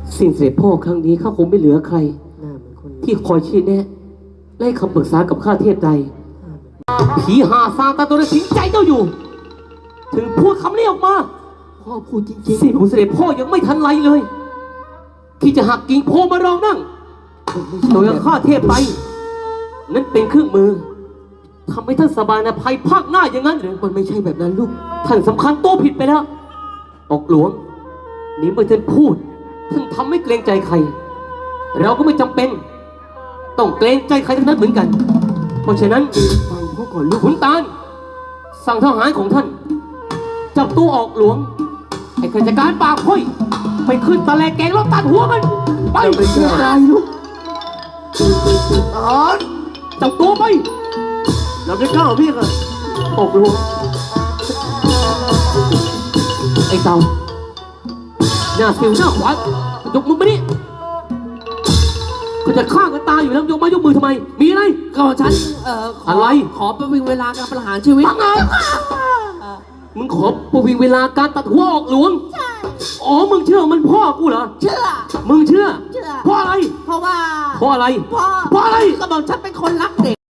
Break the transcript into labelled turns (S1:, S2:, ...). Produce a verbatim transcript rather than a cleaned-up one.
S1: สิ่งเสด็จพ่อครั้งนี้ข้าคงไม่เหลือใครที่คอยชี้แนะและให้คำปรึกษากับข้าเทพใดผีหาซาตาตัวนั้นสิงใจเจ้าอยู่ถึงพูดคำนี้ออกมาพ่อพูดจริงๆสิ่งของเสด็จพ่อยังไม่ทันไรเลยที่จะหักกิ่งโพมารองนั่งโดยข้าเทพไปนั่นเป็นเครื่องมือทำให้ท่านสบายนะภัยภาคหน้าอย่างนั้นหรือมันไม่ใช่แบบนั้นลูกท่านสำคัญตัวผิดไปแล้วออกหลวงนี่เมื่อท่านพูดท่านทำไม่เกรงใจใครเราก็ไม่จำเป็นต้องเกรงใจใครทั้งนั้นเหมือนกันเพราะฉะนั้นฟังพ่อก่อนลูกขุนตาลสั่งทหารของท่านจับตัวออกหลวงไอ้ข้าราชการปากพ้อยไปขึ้นตะแลแกงแล้วตัดหัวมันไปไม่ได้ลูกทหารจับตัวไปเราได้กล้าพี่กันออกหลวงไอ้เต่าหน้าสิวหน้าขวานยกมือมาดิก็จะฆ่ากันตายอยู่แล้วยกมายกมือทำไมมีอะไรก็ฉันเอ่ออะไรขอประวิงเวลาการประหารชีวิตไงมึงขอประวิงเวลาการตัดหัวออกหลวงใช่อ๋อมึงเชื่อมันพ่อกูเหรอเชื่อมึงเชื่อเชื่อเพราะอะไรเพราะว่าเพราะอะไรเพราะเพราะอะไรก็บอกฉันเป็นคนรักเด็ก